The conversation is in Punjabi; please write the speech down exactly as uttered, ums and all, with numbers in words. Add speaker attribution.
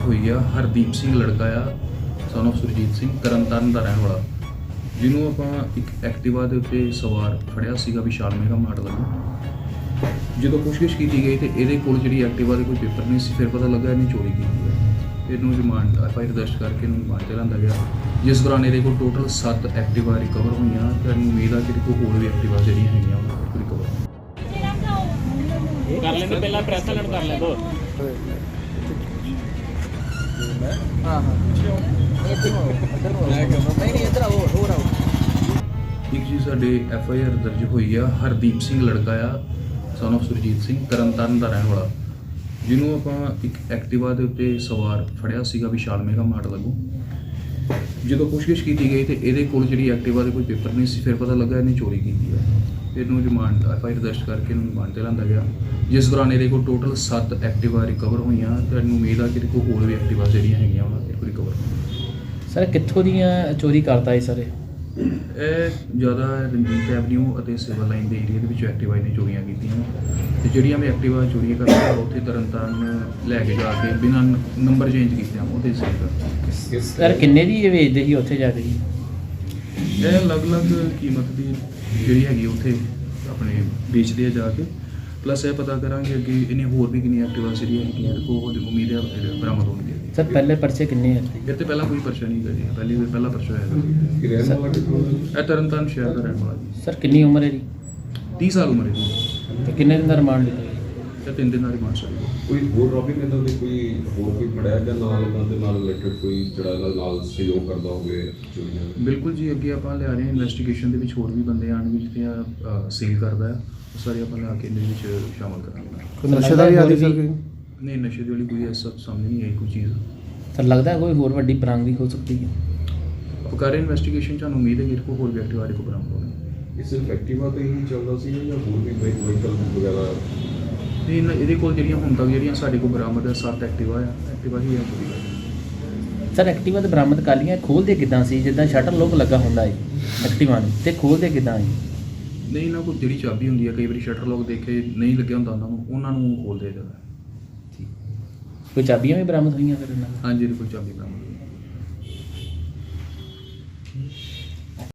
Speaker 1: ਹੋਈ ਆ। ਹਰਦੀਪ ਸਿੰਘ ਲੜਕਾ ਆ, ਸਨ ਆਫ ਸੁਰਜੀਤ ਸਿੰਘ, ਤਰਨਤਾਰਨ ਦਾ ਰਹਿਣ ਵਾਲਾ, ਜਿਹਨੂੰ ਆਪਾਂ ਇੱਕ ਐਕਟਿਵਾ ਦੇ ਉੱਤੇ ਸਵਾਰ ਫੜਿਆ ਸੀਗਾ ਵਿਸ਼ਾਲ ਮੇਗਾ ਮਾਰਟ ਵੱਲੋਂ। ਜਦੋਂ ਪੁੱਛਗਿੱਛ ਕੀਤੀ ਗਈ ਤੇ ਇਹਦੇ ਕੋਲ ਜਿਹੜੀ ਐਕਟਿਵਾ ਦੇ ਕੋਈ ਪੇਪਰ ਨਹੀਂ ਸੀ। ਫਿਰ ਪਤਾ ਲੱਗਾ ਇਹਨੇ ਚੋਰੀ ਕੀਤੀ ਹੈ। ਇਹਨੂੰ ਰਿਮਾਂਡ ਐਫ ਆਈ ਆਰ ਦਰਜ ਕਰਕੇ ਇਹਨੂੰ ਰਿਮਾਂਡ 'ਤੇ ਲਿਆਂਦਾ ਗਿਆ, ਜਿਸ ਦੌਰਾਨ ਇਹਦੇ ਕੋਲ ਟੋਟਲ ਸੱਤ ਐਕਟਿਵਾ ਰਿਕਵਰ ਹੋਈਆਂ ਤੇ ਇਹਨੂੰ ਉਮੀਦ ਆ ਕਿ ਇਹਦੇ ਕੋਲ ਹੋਰ ਵੀ ਐਕਟਿਵਾ ਜਿਹੜੀਆਂ ਹੈਗੀਆਂ ਉਹਨਾਂ ਕੋਲ ਰਿਕਵਰ
Speaker 2: ਕਰ ਲੈਂਦੇ। ਪਹਿਲਾਂ ਪ੍ਰੈਸ ਵਾਲਿਆਂ ਨੂੰ ਕਰ ਲੈਂਦੋ।
Speaker 3: ਹਾਂ ਹਾਂ ਇੱਧਰ ਨੂੰ ਇੱਧਰ ਨੂੰ ਨਹੀਂ ਨਹੀਂ ਇੱਧਰ ਆਓ ਹੋਰ ਆਓ।
Speaker 1: ਇੱਕ ਜੀ ਸਾਡੇ ਐਫ ਆਈ ਆਰ ਦਰਜ ਹੋਈ ਆ। ਹਰਦੀਪ ਸਿੰਘ ਲੜਕਾ ਆ, ਸਨ ਆਫ ਸੁਰਜੀਤ ਸਿੰਘ, ਤਰਨਤਾਰਨ ਦਾ ਰਹਿਣ ਵਾਲਾ, ਜਿਹਨੂੰ ਆਪਾਂ ਇੱਕ ਐਕਟਿਵਾ ਦੇ ਉੱਤੇ ਸਵਾਰ ਫੜਿਆ ਸੀਗਾ ਵਿਸ਼ਾਲ ਮੇਗਾ ਮਾਰਟ ਵੱਲੋਂ। ਜਦੋਂ ਪੁੱਛਗਿੱਛ ਕੀਤੀ ਗਈ ਤੇ ਇਹਦੇ ਕੋਲ ਜਿਹੜੀ ਐਕਟਿਵਾ ਦੇ ਕੋਈ ਪੇਪਰ ਨਹੀਂ ਸੀ। ਫਿਰ ਪਤਾ ਲੱਗਾ ਇਹਨੇ ਚੋਰੀ ਕੀਤੀ ਹੈ। ਇਹਨੂੰ ਰਿਮਾਂਡ ਐਫ ਆਈ ਆਰ ਦਰਜ ਕਰਕੇ ਇਹਨੂੰ ਰਿਮਾਂਡ 'ਤੇ ਲਿਆਂਦਾ ਗਿਆ, ਜਿਸ ਦੌਰਾਨ ਇਹਦੇ ਕੋਲ ਟੋਟਲ ਸੱਤ ਐਕਟਿਵਾ ਰਿਕਵਰ ਹੋਈਆਂ ਤੇ ਇਹਨੂੰ ਉਮੀਦ ਆ ਕਿ ਇਹਦੇ ਕੋਲ ਹੋਰ ਵੀ ਐਕਟਿਵਾ ਜਿਹੜੀਆਂ ਹੈਗੀਆਂ ਉਹਨਾਂ ਕੋਲ ਰਿਕਵਰ।
Speaker 2: ਸਰ ਕਿੱਥੋਂ ਦੀਆਂ ਚੋਰੀ ਕਰਦਾ ਹੈ ਸਰ?
Speaker 1: ਇਹ ਜ਼ਿਆਦਾ ਰਣਜੀਤ ਐਵਨਿਊ ਅਤੇ ਸਿਵਲ ਲਾਈਨ ਦੇ ਏਰੀਆ ਦੇ ਵਿੱਚ ਐਕਟਿਵਾ ਨੇ ਚੋਰੀਆਂ ਕੀਤੀਆਂ ਤੇ ਜਿਹੜੀਆਂ ਮੈਂ ਐਕਟਿਵਾ ਚੋਰੀਆਂ ਕਰਦਾ ਉੱਥੇ ਤਰਨਤਾਰਨ ਲੈ ਕੇ ਜਾ ਕੇ ਬਿਨਾਂ ਨੰਬਰ ਚੇਂਜ ਕੀਤਿਆਂ ਉਹਦੇ ਸੇਲ
Speaker 2: ਸਰ ਕਿੰਨੇ ਦੀ ਇਹ ਵੇਚਦੇ ਸੀ ਉੱਥੇ ਜਾ ਕੇ ਜੀ?
Speaker 1: ਇਹ ਅਲੱਗ-ਅਲੱਗ ਕੀਮਤ ਦੀ ਜਿਹੜੀ ਹੈਗੀ ਉੱਥੇ ਆਪਣੇ ਵੇਚਦੇ ਆ ਜਾ ਕੇ। ਪਲੱਸ ਇਹ ਪਤਾ ਕਰਾਂਗੇ ਅੱਗੇ ਇਹਨੇ ਹੋਰ ਵੀ ਕਿੰਨੀਆਂ ਐਕਟਿਵਾ ਜਿਹੜੀਆਂ ਹੈਗੀਆਂ ਇਹਦੇ ਕੋਲ ਉਮੀਦ ਹੈ ਬਰਾਮਦ ਹੋਣਗੇ।
Speaker 2: ਸਰ ਪਹਿਲੇ ਪਰਚੇ ਕਿੰਨੇ ਹੈ?
Speaker 1: ਇਹ ਤੇ ਪਹਿਲਾਂ ਕੋਈ ਪਰਚਾ ਨਹੀਂ ਕਰੀ, ਪਹਿਲੀ ਵਾਰ ਪਹਿਲਾ ਪਰਚਾ ਹੋਇਆ। ਇਹ ਤਰਨਤਾਰਨ ਸ਼ਹਿਰ ਦਾ ਰਹਿਣ ਵਾਲਾ ਜੀ।
Speaker 2: ਸਰ ਕਿੰਨੀ ਉਮਰ ਹੈ ਜੀ?
Speaker 1: ਤੀਹ ਸਾਲ ਉਮਰ ਹੈ ਜੀ।
Speaker 2: ਤੇ ਕਿੰਨੇ ਦਿਨ ਦਾ ਰਿਮਾਂਡ ਲਿਆ ਜੀ?
Speaker 1: ਤੇ ਤਿੰਨ ਦਿਨ ਦਾ ਰਿਮਾਂਡ ਸੀ।
Speaker 4: ਕੋਈ ਹੋਰ ਰੋਬਿੰਗ ਇਹਨਾਂ ਦੇ ਕੋਈ ਹੋਰ ਕੋਈ ਫੜਿਆ ਜਾਂ ਨਾਲ ਇਹਨਾਂ ਦੇ ਨਾਲ ਰਿਲੇਟਡ ਕੋਈ ਜਿਹੜਾ ਇਹਨਾਂ ਨਾਲ ਸਹਿਯੋਗ ਕਰਦਾ ਹੋਵੇ ਚੋਰੀਆਂ ਦਾ?
Speaker 1: ਬਿਲਕੁਲ ਜੀ, ਅੱਗੇ ਆਪਾਂ ਲਿਆ ਰਹੇ ਹਾਂ ਇਨਵੈਸਟੀਗੇਸ਼ਨ ਦੇ ਵਿੱਚ ਹੋਰ ਵੀ ਬੰਦੇ ਆਉਣਗੇ ਜਿਹੜੇ ਸੇਲ ਕਰਦਾ ਹੈ, ਉਹ ਸਾਰੇ ਆਪਾਂ ਲਿਆ ਕੇ ਇਹਦੇ ਵਿੱਚ ਸ਼ਾਮਲ ਕਰਾਂਗੇ।
Speaker 2: ਨਸ਼ੇ ਦਾ ਵੀ ਆਦੀ ਸਰ?
Speaker 1: ਨਹੀਂ, ਨਸ਼ੇ ਦੀ ਵਾਲੀ ਕੋਈ ਐਸਾ ਸਾਹਮਣੇ ਨਹੀਂ ਆਈ ਕੋਈ ਚੀਜ਼।
Speaker 2: ਸਰ ਲੱਗਦਾ ਕੋਈ ਹੋਰ ਵੱਡੀ ਬਰਾਮਦਗੀ ਹੋ ਸਕਦੀ ਹੈ?
Speaker 1: ਆਪਾਂ ਕਰ ਰਹੇ ਇਨਵੈਸਟੀਗੇਸ਼ਨ, ਸਾਨੂੰ ਉਮੀਦ ਹੈ ਕਿ ਇਹਦੇ ਕੋਲ ਹੋਰ ਵੀ ਐਕਟਿਵਾ ਦੇ ਕੋਲ ਬਰਾਮਦ ਹੋਣਗੇ।
Speaker 4: ਇਹ ਸਿਰਫ ਐਕਟਿਵਾ ਤੇ ਹੀ ਚੱਲਦਾ ਸੀ ਜਾਂ ਹੋਰ ਵੀ ਬਾਈਕ ਵਹੀਕਲ ਵਗੈਰਾ?
Speaker 1: ਤੇ ਇਹਨਾਂ- ਇਹਦੇ ਕੋਲ ਜਿਹੜੀਆਂ ਹੁਣ ਤੱਕ ਜਿਹੜੀਆਂ ਸਾਡੇ ਕੋਲ ਬਰਾਮਦ ਹੈ ਸੱਤ ਐਕਟਿਵਾ ਆ, ਐਕਟਿਵਾ ਹੀ ਆ ਚੋਰੀ ਕਰ।
Speaker 2: ਸਰ ਐਕਟਿਵਾ ਤੇ ਬਰਾਮਦ ਕਰ ਲਈਆਂ, ਖੋਲਦੇ ਕਿੱਦਾਂ ਸੀ? ਜਿੱਦਾਂ ਸ਼ਟਰ ਲੋਕ ਲੱਗਾ ਹੁੰਦਾ ਹੈ ਐਕਟਿਵਾ ਨੂੰ, ਤੇ ਖੋਲਦੇ ਕਿੱਦਾਂ ਹੈ?
Speaker 1: ਨਹੀਂ, ਇਹਨਾਂ ਕੋਲ ਜਿਹੜੀ ਚਾਬੀ ਹੁੰਦੀ ਹੈ, ਕਈ ਵਾਰੀ ਸ਼ਟਰ ਲੋਕ ਦੇਖੇ ਨਹੀਂ ਲੱਗਿਆ ਹੁੰਦਾ ਉਹਨਾਂ ਨੂੰ, ਉਹਨਾਂ ਨੂੰ ਖੋਲਦੇ ਜਾਂਦਾ।
Speaker 2: ਕੋਈ ਚਾਬੀਆਂ ਵੀ ਬਰਾਮਦ ਹੋਈਆਂ ਫਿਰ ਇਹਨਾਂ ਨਾਲ?
Speaker 1: ਹਾਂਜੀ, ਇਹਦੇ ਕੋਲ ਚਾਬੀ ਬਰਾਮਦ ਹੋਈ।